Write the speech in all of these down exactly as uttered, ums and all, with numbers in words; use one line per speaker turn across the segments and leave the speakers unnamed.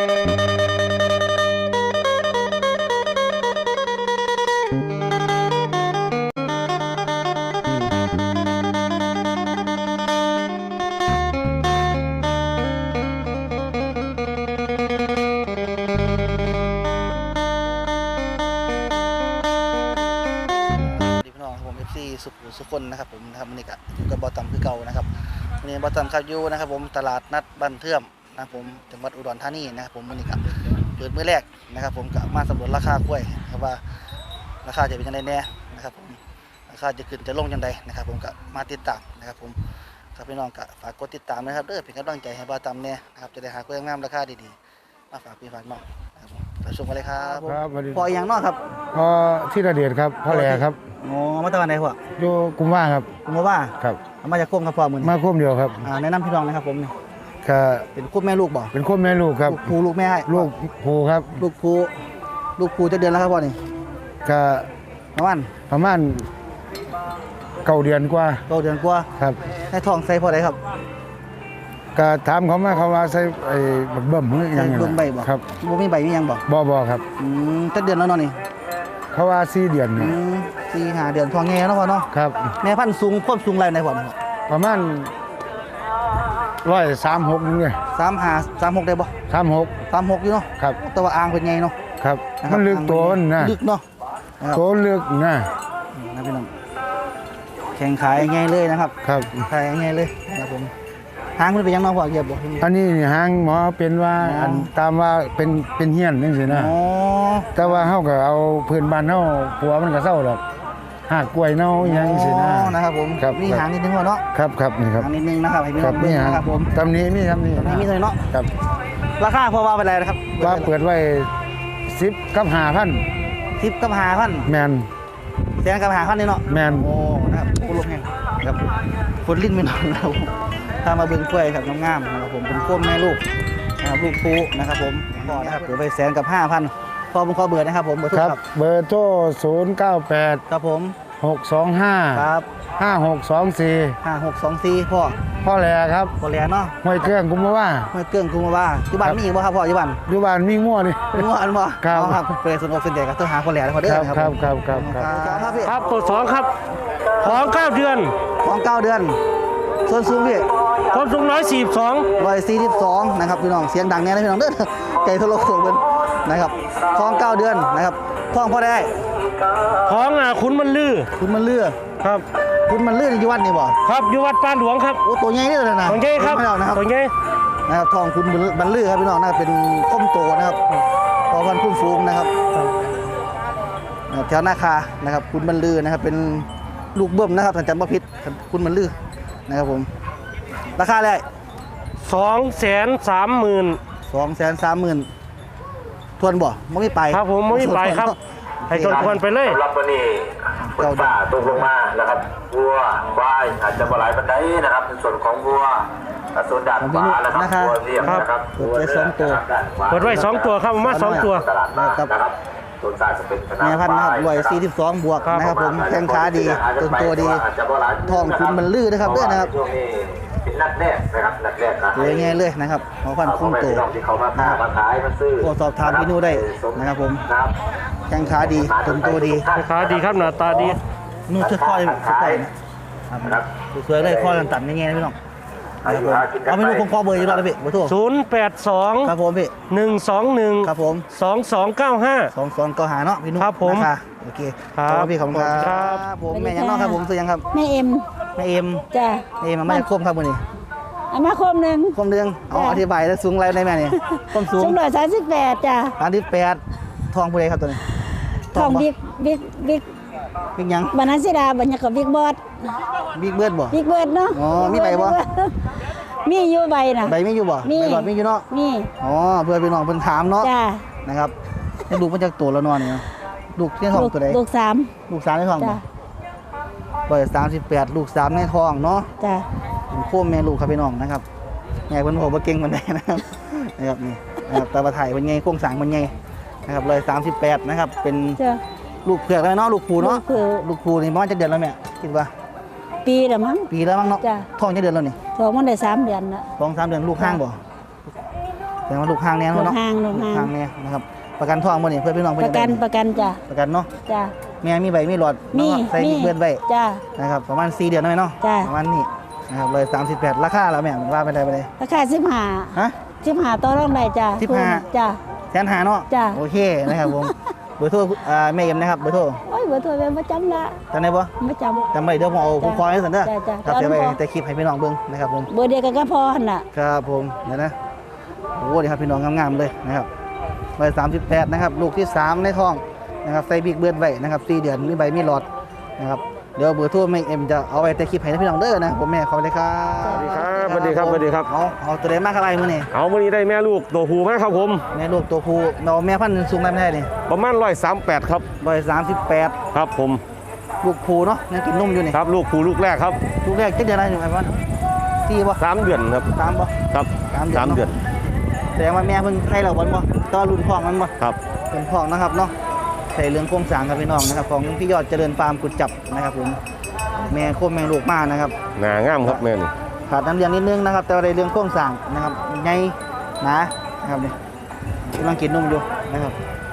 สุขสุขคนนะครับผมนะครับวันนี้ก็อยู่กับบอตัมคือเก่านะครับวันนี้บอตัมครับอยู่นะครับผมตลาดนัดบ้านเทื่อมนะครับผมจังหวัดอุดรธานีนะครับผมวันนี้ก็เปิดมื้อแรกนะครับผมก็มาสำรวจราคากล้วยครับว่าราคาจะเป็นยังไงแน่นะครับผมราคาจะขึ้นจะลงยังไงนะครับผมก็มาติดตามนะครับผมครับพี่น้องก็ฝากกดติดตามนะครับเด้อเป็นกำลังใจให้บอตัมเนี่ยนะครับจะได้หากล้วยงามราคาดีๆมาฝากพี่ฝากน้องนะครับผมไปชมกันเลยครับ
ครับ
พออย่างน้อยครับ
พอที่ระเดียดครับพ่อแหล่ครับ
อ๋อมาตะวันไหนพ่อ
อยู่กุมว่าครับ
กุมว่า
ครับ
มาจากโค้งครับพ่อมือ
มาโค้งเดียวครับ
อ่าแนะนำพี่น้องนะครับผมนี่
ก็
เป็นคู่แม่ลูกบ่
เป็นโค้งแม่ลูกครับ
ลูกภูลูกแม่ให้
ลูกภูครับ
ลูกภูลูกภูจะเดือนแล้วครับพ่อนี่
ก็
ประมาณ
ประมาณเก้าเดือนกว่า
เก้าเดือนกว่า
ครับ
ให้ทองใส่พอได้ครับ
ก็ถามเขามาเขาว่าใส่ไอ้บักเบิ่มหรือยังไง
เบิ่มใบบ่
ครับ
บ่มีใบมียังบ่
บ่บ่ครับ
อืมจะเดือนแล้วเนาะนี่
เขาว่าสี่เดือน
อืมสี่ห้าเดือนทองแง่เนาะพ่อเนาะ
ครับ
แม่พันธุ์สูงควบสูงไรไหนพ่อ
ประมาณร้อยสามหกนึงเลย
สามห้าสามหกได้บ่
สามหก
สามหกอยู่เนาะ
ครับ
แต่ว่าอ่างเป็นไงเนาะ
ครับมันลึกตัวมันนะ
ลึกเนาะ
ตัวลึกนะ
นะพี่น้องแข่งขายง่ายเลยนะครับ
ครับ
ขายง่ายเลยนะครับผมหางมันเป็นยังน้องพ่อเกียบบ่
อันนี้หางหมอเป็นว่าอันตามว่าเป็นเป็นเฮี้ยนจังซี่นะ
อ๋อ
แต่ว่าเฮาก็เอาพื้นบ้านเฮาปัวมันก็เศร้าดอกหากกล้วยเน่าหยังซี่นะ
นะครับผมมีหางนิดนึงพ่อเนาะ
ครับครับนี่ครับ
หางนิดนึงนะครับให้พี่น้องดูนะครับผม
ตำนี้มีครับนี่
ตำนี้มีเลยเนาะ
ครับ
ราคาพอว่าไปแล้วนะครับ
ว่าเปิดไว้สิบกับห้าพัน
สิบกับห้าพัน
แม่น
แสนกับห้าพันนี่เนาะ
แม่น
โอ้นะครับโอ้ลมแห้งครับคนลิ้นไม่นอนนะครับถ้ามาเบิ่งกล้วยครับงามๆนะครับผมเป็นก้มแม่ลูกนะครับลูกปูนะครับผมพอนะครับเปิดไปแสนกับห้าพันพอผมขอเบอร์นะครับผมเบอร์โทร
ครับเบอร์โทรศูนย์เก้าแปด
ครับผม
หกสองห้า
ครับ
ห้าหกสองสี่
ห้าหกสองสี่พ่อ
พ่อแหล่ครับ
พ่อแหล่เนาะ
ห้วยเกื้องกุมว่า
ห้วยเกื้องกุมว่าอยู่บ้านมีอีกบ่ครับพ่ออยู่บ้าน
อยู่บ้านมีงัวนี่
งัวอันบ่
ครับ
ครับเปิดสนุกสนใจกับตัวหาพ่อแหล่พ่อเด้อ
ครับครับครับครับ
ครับตัวสองครับท้องเก้าเดือน
ท้องเก้าเดือนส่วนสูงพี่
ความสูงร้อยสี่สิบสอง
ร้อยสี่สิบสองนะครับพี่น้องเสียงดังแน่นะพี่น้องเด้อไก่ทะลุโขงเป็นนะครับท้องเก้าเดือนนะครับท้องพอได้
ท้องอ่ะคุณมันลื่อ
คุณมันเลื่อ
ครับ
คุณมันเลื่ออยู่วัดนี่บ่
ครับอยู่วัดปานหลวงครับ
โอ้ตัวใหญ่เลยนะ
ตัวใหญ่ครับตัวใหญ่
นะครับท้องคุณมันเลื่อครับพี่น้องน่าเป็นข้มโตนะครับพอพันคุ้มฟูงนะครับแถวนาคานะครับคุณมันเลื่อนะครับเป็นลูกเบิ้มนะครับถ้าจำไม่ผิดคุณมันเลื่อนะครับผมราคาเลย
สองแสนสามหมื่น
สองแสนสามหมื่นทวนบ่ไม่ไป
ครับผมไม่ไปครับให้ทวนทวนไปเลย
รับวันนี้ฝนฟ้าตกลงมานะครับวัวควายอาจจะบ่หลายปันไดนะครับในส่วนของวัวส่วนด่านฟ้านะครับวัวเลี้ยงนะครับ
วัวสองตัว
เปิดไว้สองตัวครับมาสองตัว
นะครับต้นสายจะเป็น
แม่พันธุ์นะครับรวยสี่สิบสองบวกนะครับผมแข้งขาดีต้นตัวดีท้องคุณมันลื่นนะครับด้วยนะครับ
เป็นนัดแรกนะครับนัดแรกนะ
เลยง่ายเลยนะครับหมอพันธุ์คุ้มตัว
ที่เขามาค้ามาขายมาซื้อ
สอบถามพี่นูได้นะครับผมแข้งขาดีต้นตัวดี
ขาดีครับหน้าตาดี
นู่นช่วยข้อช่วยข้อนะครับสวยเลยข้อกันตัดง่ายๆนะพี่น้องเอาไม่รู้คงข้อเบอร์อยู่แล้วพี่เบอร์โทร
ศูนย์แปดสอง
ครับผมพี่
หนึ่งสองหนึ่ง
ครับผม
สองสองเก้าห้า
สองสองเก้าห้าเนาะพี่นุ่ม
ครับผม
โอเค
ครับ
พี่ขอบคุณครับผมแม่ยังน้องครับผมซื้อยังครับ
แม่เอ็ม
แม่เอ็ม
จ้ะ
แม่เอ็มมาไม่คมครับวันนี้
เอามาคมหนึ่ง
คมหนึ่งเอาอธิบายแล้วสูงอะไรในแม่นี่คมสูง
สูงร้อยสามสิบแปดจ้ะ
สามสิบแปดทองผู้ใดครับตัวนี้
ทองบิ๊กบิ๊กบิ๊ก
บิ๊กยัง
บรรณาศิดาบรรยากาศบิ๊กบอส
บิ๊กเบิร์ดบ่
บิ๊กเบิร์ดเนาะ
อ๋อมีใบบ่
มีอยู่ใบนะ
ใบไม่อยู่บ่ใบหลอดไม่อยู่เนาะ
มี
อ๋อเพื่อนพี่น้องเพิ่นถามเนาะ
จ้า
นะครับให้ลูกมันจากตัวแล้วนอนนี่เนาะลูกที่ท้องตัวใด
ลูกสาม
ลูกสามในท้องบ่ร้อยสามสิบแปดลูกสามในท้องเนาะ
จ้า
เป็นโค้มแม่ลูกครับพี่น้องนะครับแม่เพิ่นบอกว่าเก่งมันได้นะครับนะครับนี่นะครับตาบะไถ่เป็นไงโค้งสางเป็นไงนะครับร้อยสามสิบแปดนะครับเป็นลูกเผือกแล้วเนาะลูกผูเนาะลูกผูนี่ประมาณจะเดือนแล้วแม่คิดว่า
ปีแล้วมั้ง
ปีแล้วมั้งเนาะท้องจะเดือนแล้วนี่
ท้องมันได้สามเดือนละ
ท้องสามเดือนลูกข้างบ่แต่ว่าลูกห่างแน่นอน
ลู
เนาะ
กห่างลูกห่าง
ห่างแน่นะครับประกันท้องบ่นี่เพื่อพี่น้อง
ป
เพิ่น
ระกันประกันจ้ะ
ประกันเนาะ
จ้ะ
แม่มีใบมีหลอด
มี
เนาะใส่
มี
เบือนไว้
จ้ะ
นะครับประมาณสี่เดือนหน่อยเนาะ
จ้ะ
ประมาณนี้นะครับเลยสามสิบแปดราคาแล้วแม่ว่าไปได้ไปเลย
ราคาสิบห้า
ฮะ
สิบห้าต่อรองได้จ้ะ
สิบห้า
จ้ะ
แสนหาเนาะ
จ้ะ
โอเคนะครับผมเบอร์โทรอ่าแม่เอ็มนะครับเบอร์โทร
โอ้ยบ่โทรเป็นประจำละ
จำได้บ่
ประจำ
จำไม่เดี๋ยวผมเอาผมคอยให้สันเด้อ
จ้ะจ้ะ
ครับเดี๋ยวไป
เอาลูก
แต่คลิปให้พี่น้องเบิ่งนะครับผม
เบอร์เดียวกันก็พอหั่นน่ะ
ครับผมเดี๋ยวนะโอ้ดีครับพี่น้องงามๆเลยนะครับใบสามสิบแปดนะครับลูกที่สามในท้องนะครับใส่บิ๊กเบิร์ดไว้นะครับสี่เดือนมีใบมีหลอดนะครับเดี๋ยวเบอร์โทรแม่เอ็มจะเอาไว้แต่คลิปให้พี่น้องเด้อนะผมแม่ขอบคุณครับ
สวัสดีครับสวัสดีครับสวัสดีครับ
เอาเอาตัวเล็กมากอะไรมื้อนี่
เอาวันนี้ได้แม่ลูกตัวผู้มาครับผม
แม่ลูกตัวผู้เราแม่พันธุ์สูงได้ไม่ได้นี่
ประมาณร้อยสามแปดครับ
ใบสามสิบแปด
ครับผม
ลูกผู้เนาะยังกินนมอยู่นี่
ครับลูกผู้ลูกแรกครับ
ลูกแรกเจ็ดเดือนอะไรอยู่ไอ้บ้านสี่บ่
สามเดือนครับ
สามบ่
ครับ
สามเดือน
สามเดือน
แสดงว่าแม่เพิ่งให้เราบ่บ่ต่อรุ่นพ่องมันบ่
ครับ
เป็นพ่องนะครับเนาะใส่เรื่องโครงสร้างครับพี่น้องนะครับของพี่ยอดเจริญฟาร์มกุดจับนะครับผมแม่โคมแม่ลูกมานะครับ
หนางามครับแม่นี่
ขาดน้ำเลี้ยงนิดนึงนะครับแต่ว่าในเรื่องโครงสร้างนะครับใหญ่หนานะครับนี่กำลังกินนมอยู่นะครับ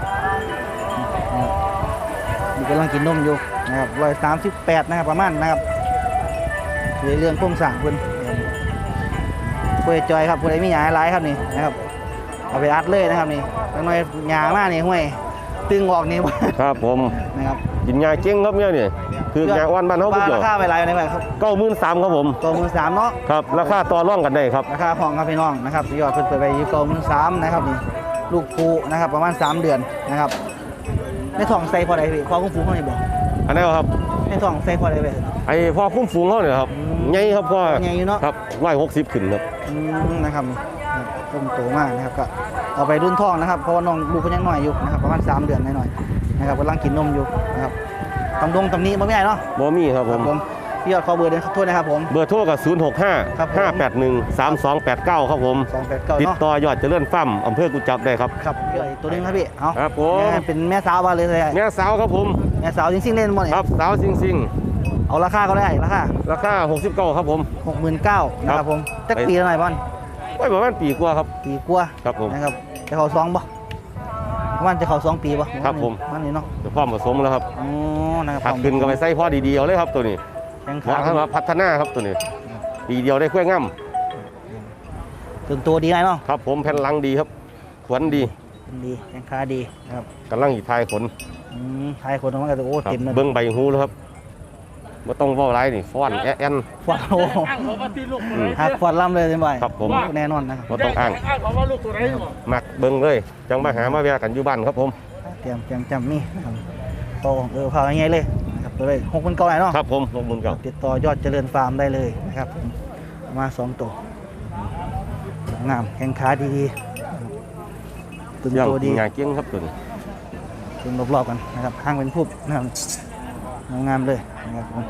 นี่กำลังกินนมอยู่นะครับร้อยสามสิบแปดนะครับประมาณนะครับในเรื่องโครงสร้างเพิ่นคุยจอยครับผู้ใดมีหยาหลายครับนี่นะครับเอาไปอัดเลยนะครับนี่จังหน่อยหยามากนี่ห้วยตึงออกนี่
ครับผม
นะครับ
กินยาเก่งครับเนี่ยนี่คือยาอ้วนบ้านเขา
บ้า
พุ่ง
ราคาไปหลายในแบบครับ
เก้าหมื่นสามครับผม
ตัวมือสามเนาะ
ครับราคาต่อร่องกันได้ครับ
ราคาของครับพี่น้องนะครับยอดเพิ่นเปิดไปอยู่ตัวมือสามนะครับนี่ลูกปูนะครับประมาณสามเดือนนะครับในท้องใส่พอใดพี่พอคุ้มฟูงเขานี่บอก
อันนี้ครับ
ในท้องใส่พอใดไป
ไอ้พ่อคุ้มฝูงเขาเนี่ยครับ
อืม
ใหญ่ครับพ่อ
ใหญ่อยู่เนาะ
ครับร้อยหกสิบขึ้นครับ
อืมนะครับนี่ต้มโตมากนะครับก็เอาไปรุ่นท้องนะครับเพราะว่าน้องลูกเพิ่นยังน้อยอยู่นะครับประมาณสามเดือนหน่อยๆนะครับกำลังกินนมอยู่นะครับตำดงตำนี้บ่มีไอ้เนาะ
บอมี่ครับผม
ผมพี่ยอดขอเบอร์เดินโทษนะครับผม
เบอร์โทรกับศูนย์หกห้า
ครับผม
ห้าแปดหนึ่งสามสองแปดเก้าครับผม
สองแปดเก้า
ติด
เนาะ
ต่อยอดเจริญฟาร์มอำเภอกุจจับได้ครับ
ครับพี่ยอดอีกตัวหนึงครับพี่เอา
ครับผม
แม่เป็นแม่สาวมาเลยเลย
แม่สาวครับผม
แม่สาวจริงๆเล่นหมดเนี่ย
ครับสาวซิงซิง
เอาราคาก็ได้ราคา
ราคาหกสิบเก้าครับผม
หกหมื่นเก้านะครับผมจักปีละหน่อยบอล
ไว้ประมาณปีกว่าครับ
ปีกว่า
ครับผม
นะครับจะเขาสองบ่ประมาณจะเขาสองปีบ่
ครับผม
มันนี่เนาะ
เดี๋ยวพร้อมผสมแล้วครับ
อ๋อนะครับ
ถักขึ้นก็ไปใส่พ่อดีๆเอาเลยครับตัวนี้
แข้ง
เหมาะ
ขา
สำหรับพัฒนาครับตัวนี้ปีเดียวได้กล้วยง่
ถึงตัวดีไงเนาะ
ำครับผมแผ่นหลังดีครับขวนดี
ดีแข้งขาดีนะครับ
กำลังอีทายขน
อืมทายคนออกมาก็จะโอ้
ครับ
เต็มเลย
เบิ้งใบหูแล้วครับไม่ต้องเว่าไรนี่ฟ้อนแอะแอน
ฟอดโอ้หักฟอดล่ำเลยเป็นบ่อย
ครับผม
แน่นอนนะครับ
ไม่ต้องอ้างมักเบิ้งเลยจังมาหามาแวะกันอยู่บ้านครับผม
เตรียมเตรียมจำนี่นะครับโตเออพาง่ายๆเลยนะครับตัวเลยหกหมื่นเก้าไหนเนาะ
ครับผมลงบุญเก่า
ติดต่อยอดเจริญฟาร์มได้เลยนะครับผมเอามาสองตัวงามแข้งขาดีๆตึง
ยัง
ตัวดี
งานเกี้ยงครับตัวนี้
ตึงรอบๆกันนะครับห้างเป็นพุบนะครับงามๆเลยนะครับผม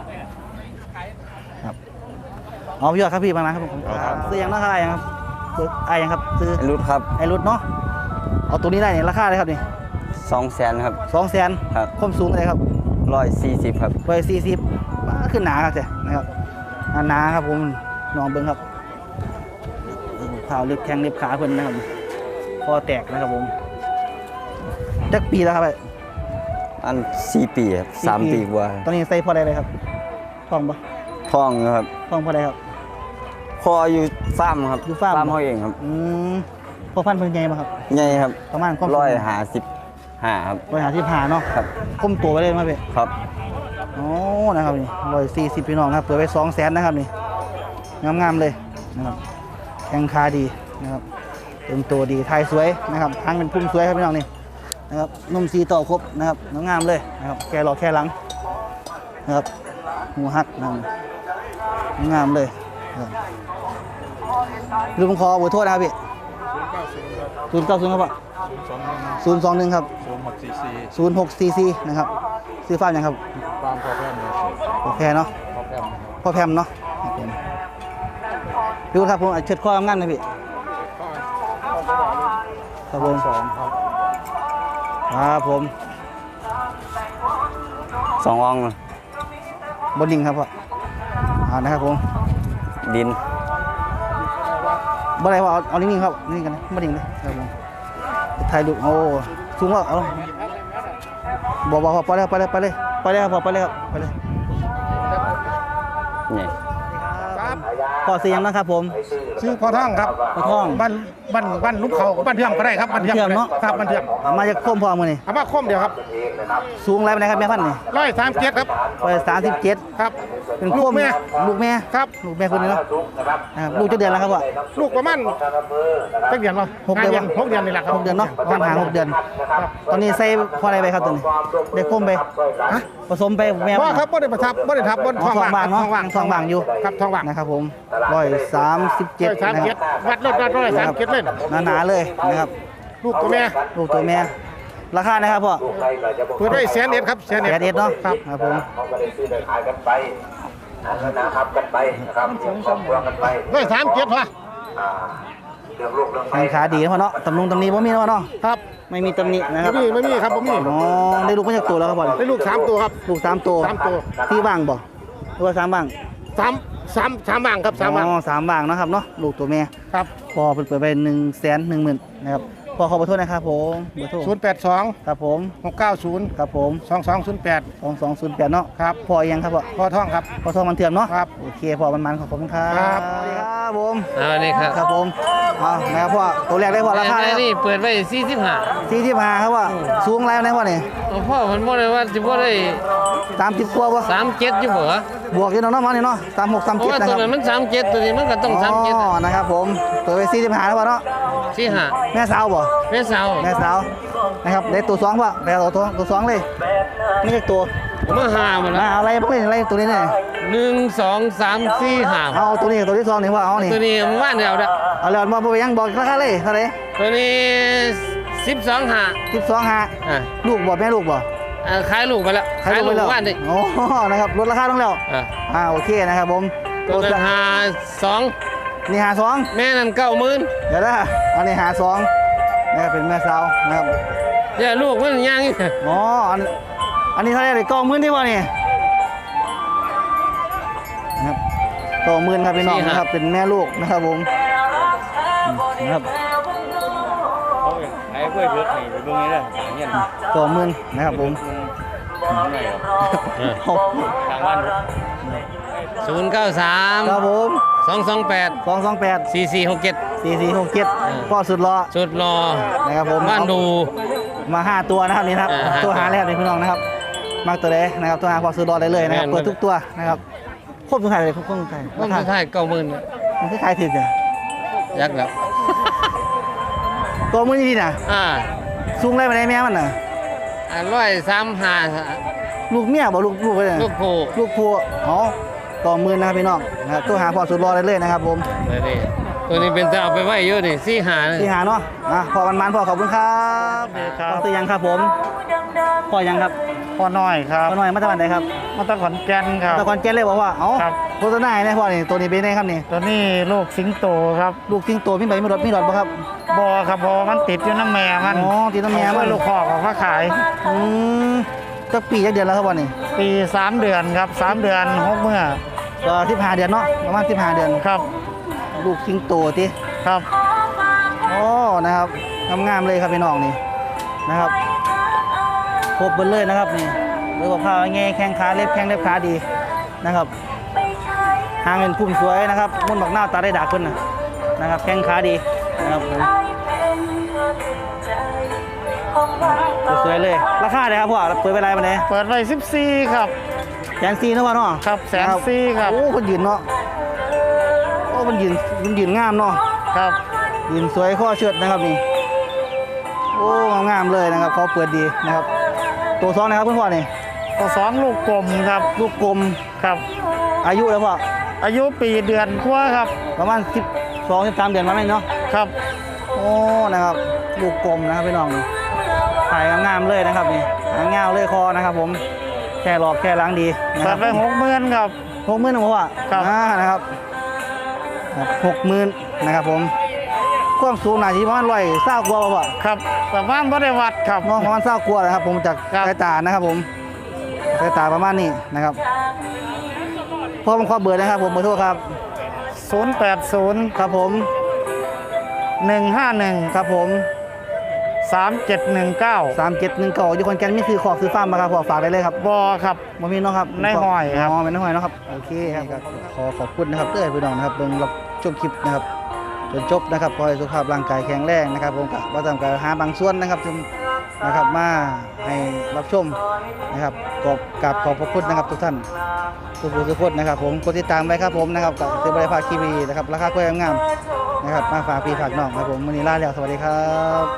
ครับเอาพี่ยอดครับพี่บางนะครับผมซื้อยังเนาะครับไอ้ยังครับซื้อไอ้ยังครับซื้อ
รุดครับ
ไอ้รุดเนาะเอาตัวนี้ได้เนี่ยราคาเลยครับนี่
สองแสนครับ
สองแสน
ครับ
ความสูงเลยครับ
ร้อยสี่สิบครับ
ร้อยสี่สิบขึ้นหนาครับเจ้นะครับหนาครับผมน้องเบิ้งครับข่าวเล็บแข้งเล็บขาเพิ่นนะครับคอแตกนะครับผมจักปีแล้วครับไอ้
อันสี่ปีครับสามปีกว่า
ตอนนี้ใส่พอได้เลยครับท้องปะ
ท้องครับ
ท้องพอได้ครับ
พออยู่ฟาร์มครับ
อยู่ฟาร์ม
เขาเองครับ
อืมพอพันธุ์เพิ่นใหญ่มาครับ
ใหญ่ครับ
ประมาณความสูง
ร้อยห้าสิบห้าครับ
ร้อยหาที่ผ่าเนาะ
ครับ
ก้มตัวไปเลยมาเพ่
ครับ
โอ้นะครับนี่ร้อยสี่สิบพี่น้องครับเปิดไปสองแสนนะครับนี่งามๆเลยนะครับแข้งขาดีนะครับเต็มตัวดีไทยสวยนะครับทางเป็นพุ่มสวยครับพี่น้องนี่นะครับนุ่มสีต่อครบนะครับงามๆเลยนะครับแกหล่อแค่หลังนะครับหูหักนะครับงามเลยนะครับลืมขอเบอร์โทษนะครับพี่ศูนย์เก้าศูนย์ครับพ่อศูนย์สองหนึ่งครับศูนย์หกสี่สี่นะครับซื้อฟ้าอย่างครับ
ฟาร์มพอแพมเลย
พ่อแพรเนาะ
พอแพม
พ่อแพมเนาะครับผมพี่วุฒิครับผมเชิดข้อทำงานนะพี่ครับผม
สองครับ
ครับผม
สองออง
บนดิ่งครับพ่ออ่านะครับผม
ดิน
บ่ได้ว่าเอาเอานิ่งๆครับนิ่งกันนะบ่ดิ่งเลยครับผมถ่ายรูปโอ้สูงว่าเอาบ่บ่ไปเลยไปเลยไปเลยไปเลยครับไปเลยครับไปเลย
นี่
พ่อเสียงนะครับผม
ชื่อพ่อท่องครับ
พ่อท่อง
บ้านบ้านบ้านลุกเขาบ้านเทียมก็ได้ครับบ้านเทียม
เทียมเนาะ
ครับบ้านเทียม
มาจากโคมพ่อมื้อนี้
เอามาคมเดียวครับ
สูงไรปานใดครับแม่พันธุ์นี่
ร้อยสามเจ็ดครับ
ร้อยสามสิบเจ็ด
ครับ
เป็นโค
ลู
ม
กแม่
ลูกแม่
ครับ
ลูกแม่คนนี้เนาะนะครับลูกจะเดือนแล้วครับพ่อ
ลูกประมาณตั้งเดือนวะ
หกเดือน
หกเดือนนี่แหละครับ
หกเดือนเนาะประมาณหาหกเดือน ตอนนี้ใส่พออะไรไปครับตอนนี้ได้โคมไป
ฮะ
ผสมไปแม่
พ่อครับบ่ได้ประทับบ่ได้ทับบ่
อ๋อ
ท้อง
ทอง
ว่าง
ว่างเนาะ
ท้องว่าง
ทองว่างอยู่
ครับท้องว่าง
นะครับผมร้อยสามสิบเจ็ด
ร้อยสาม
นะค
เจ็
รั
ด
บ
วัดรถวัดร้อยสามเจ็ดเลย
หนาๆเลยนะครับ
ลูกตัวแม่
ลูกตัวแม่ราคานะครับพ่อ
เปิดไว้แสนเอ็ดครับแสน
แป
เอ็ด
ดเอ็ดเนาะ
ครับ
ครับผม
เขาก็ได้ซื้อได้ขายกันไปนะครับกันไปนะครับเรื่องครอบครัวกันไป
ร้อยสามเจ็ดวะ
อ่าเรื่องลูกเรื่อง
แข้งขาดีนะพ่อเนาะตำนุงตำหนี้บ่มีนะพ่อเนาะ
ครับ
ไม่มีตำหนินะครับ
ไม่มีไม่มีครับผมมี
อ๋อได้ลูกมาจากตัวแล้วครับพ่อ
ได้ลูกสามตัวครับ
ลูกสามตัว
สามตัว
ที่ว่างบ่หรือว่าสามว่าง
สามสามสามบางครับสามบาง
อ๋อสามว่างเนาะครับเนาะลูกตัวแม่
ครับ
พอเปิดเปิดไปหนึ่งแสนหนึ่งหมื่นนะครับพอขอขอโทษนะครับผมเบอร์โทร
ศูนย์แปดสอง
ครับผม
หกเก้าศูนย์
ครับผม
สองสองศูนย์แปด
สองสองศูนย์แปดเนาะ
ครับ
พอยังครับพ่อ
พ่อท่องครับ
พอทองมันเถื่อนเนาะ
ครับ
โอเคพอมันมันขอบคุณครับ
ครับ
สวัสดีครับผม
อ่านี่ครับ
ครับผมเอานะครับพ่อตัวแรกได้พ่อราคา
อั
แล้ว
นนี่เปิดไว้สี่สิบห้า
สี่สิบห้าครับว่าสูงแล้วนะพ่อนี่
พ่อมันบ่ได้ว่าสิบ่ได้
สามสิบกว่าป่ะ
สามเจ็ดอยู่บ่วะ
บวกอยู่เนาะเนาะมันนี่เนาะสามหกสาม
เพราะ
เจ็ด
ว่า
นะ
ตัว
ครับ
นั้นมันสามเจ็ดตัวนี้มันก็ต้องสามเจ็ด
อ๋อนะครับผมตัวไปสี่สิบห้าแล้วพ่อเนาะ
สี่ห้า
แม่สาวบ่
แม่สาว
แม่สาวนะครับได้ตัวสองป่ะได้ตัวตัวตัวสองเลยนี่คือตัว
ผมมาหาหมด
มา
แล้ว
เอาอะไรพวกนี้อะไรตัวนี้เนี่ย
หนึ่งสองสามสี่ห้า
เอาตัวนี้ตัวที่สองนี่ว่าเอานี่
ตัวนี้มันว่านเดียวเด้อ
เอาเลยมาไปยังบอกราคาเลยเท่าไหร่
ตัวนี้สิบสองห้า
สิบสองห้า
อ่า
ลูกบ่แม่ลูกบ่
อ่าขายลูกไปแล้วขายลูก
ไปแล้ว
ว่านดิ
โอ้นะครับลดราคาลงแล้ว
อ่า
อ่าโอเคนะครับผม
ตัวนั้นหาสอง
นี่หาสอง
แม่นั่นเก้าหมื่น
เดี๋ยวนะอันนี้หาสองนะครับเป็นแม่สาวนะครับ
เดี๋ยวลูกมันยังอีก
อ๋ออันอันนี้เท่าไหร่เลยกองหมื่นที่ว่านี่นะครับกองหมื่นครับพี่น้องนะครับเป็นแม่ลูกนะครับผมนะครับ
ไอ้กล้วยเผือกนี่ไปเบิ่งนี่เด้อเงี้ย
กองหมื่นนะครับผม
ทางบ้าน
ศูนย์เก้าสาม
ครับผม
สองสองแปด
สองสองแปด
สี่สี่หกเจ็ด
สี่สี่หกเจ็ดพ่อสุดรอ
สุดรอ
นะครับผม
บ้านดู
มาห้าตัวนะครับนี่นะครับ
อ่าห้า
ตัวหาแรกเลยพี่น้องนะครับมากตัวเดนะครับตัวหาพอซื้อรอได้เลยนะครับ
แม่น
เปิดทุกตัวนะครับครบทุกขายเลยครบทุกขาย
มันสุดท้ายเก้าหมื่น
มันคือขายถึงอ่ะ
ยักษ์แล้ว
ตัวมือนี่นะ
อ่า
สูงไรมาได้แม่มันน่ะ
ร้อยสามห้า
ลูกเมียบอกลูกลูกไปเลย
ลูกโพ
ลูกพัวอ๋อต่อมือนะครับพี่น้องนะครับตัวหาพอซื้อรอได้เลยนะครับผม
เลยดิตัวนี้เป็นจะเอาไปไว้เยอะนี่สี่หานี่
ที่หาเนาะอ่ะพอมันมันพอขอบคุณครับพอซื้อยังครับผมพอยังครับ
พ่อน้อยครับ
พอหน่อยมาจากวันไหนครับ
มาตะขอนแก่นครับ
ตะกอนแก้เลยบอกว่าเอ้า
ครับ
โฆษณาเนี่ยพ่อนี่ตัวนี้เป็นไงครับนี่
ตัวนี้ลูกสิงโตครับ
ลูกทิ้งตัวพี่ใบมีรถมีรถป่ะครับ
บอครับบอมันติดอยู่น้ำแม่มัน
อ๋อติดน้ำแม่มัน
ลูกคอกของเขาขาย
อืมจักปีจักเดือนแล้วครับวันนี้
ปีสามเดือนครับสามเดือนหกเมื่อ
ก็สิบห้าเดือนเนาะประมาณสิบห้าเดือน
ครับ
ลูกทิ้งตัวติ
ครับ
โอ้นะครับงามๆเลยครับพี่น้องนี่นะครับครบเบิดเลยนะครับนี่เรื่องกับข้าวไงแข้งขาเล็บแข้งเล็บขาดีนะครับหางเป็นพุ่มสวยนะครับมุ่นบักหน้าตาได้ดากขึ้นนะนะครับแข้งขาดีนะครับผมสวยๆเลยราคาเลยครับพ่อเปิดเวลามาไหน
เปิดไว้สิบสี่ครับ
แสนสี่นะพ่อเนาะ
ครับแสนสี่ครับ
โอ้คนยืนเนาะโอ้มันยืนมันยืนงามเนาะ
ครับ
ยืนสวยข้อเชิดนะครับนี่โอ้งามๆเลยนะครับเขาเปิดดีนะครับตัวสองนะครับเพื่อนพ่อนี่
ตัวสองลูกกลมครับ
ลูกกลม
ครับ
อายุแล้วพ่อ
อายุปีเดือนกว่าครับ
ประมาณสิบสองสิบสามเดือนมาไหมเนาะ
ครับ
โอ้นะครับลูกกลมนะครับพี่น้องนี่ถ่ายงามๆเลยนะครับนี่หางเงาเลยคอนะครับ ผมแค่หลอกแค่ล้างดีนะค
ตั
รั
ด
บ
ไปหกหมื่นครับ
หกหมื่นนะพ่อ
ครับ
อ่านะครับหกหมื่นนะครับผมความสูงหนาทีประมาณร้อยเศร้ากว่าป่ะ
ครับประมาณบ่ได้วัดครับ
น้องประมาณเศร้ากว่านะครับ ผมจาก
ครับ
สายตานะครับ ผมสายตาประมาณนี้นะครับพ่อผมขอเบอร์นะครับ ผมเบอร์โทรครับ
ศูนย์แปดศูนย์
ครับผม
หนึ่งห้าหนึ่ง
ครับผม
สามเจ็ดหนึ่งเก้า
สามเจ็ดหนึ่งเก้าอยู่คนแก่นมีซื้อขอบซื้อฟาร์มมาครับพอฝากได้เลยครับ
บอครับ
บ่มีเนาะครับ
ในห้อยครับ
อ๋อเป็นในห้อยเนาะครับโอเคครับขอขอบคุณนะครับเด้อพี่น้องนะครับเบิ่งรับชมคลิปนะครับจนจบนะครับขอให้สุขภาพร่างกายแข็งแรงนะครับผมก็บ่ต้องการหาบางส่วนนะครับซึ่งนะครับมาให้รับชมนะครับขอบกราบขอบพระคุณนะครับทุกท่านทุกผู้ทุกคนนะครับผมกดติดตามไว้ครับผมนะครับกับซื้อบริภาคทีวีนะครับราคากล้วยงามๆนะครับมาฝากพี่ฝากน้องครับผมมื้อนี้ลาแล้วสวัสดีครับ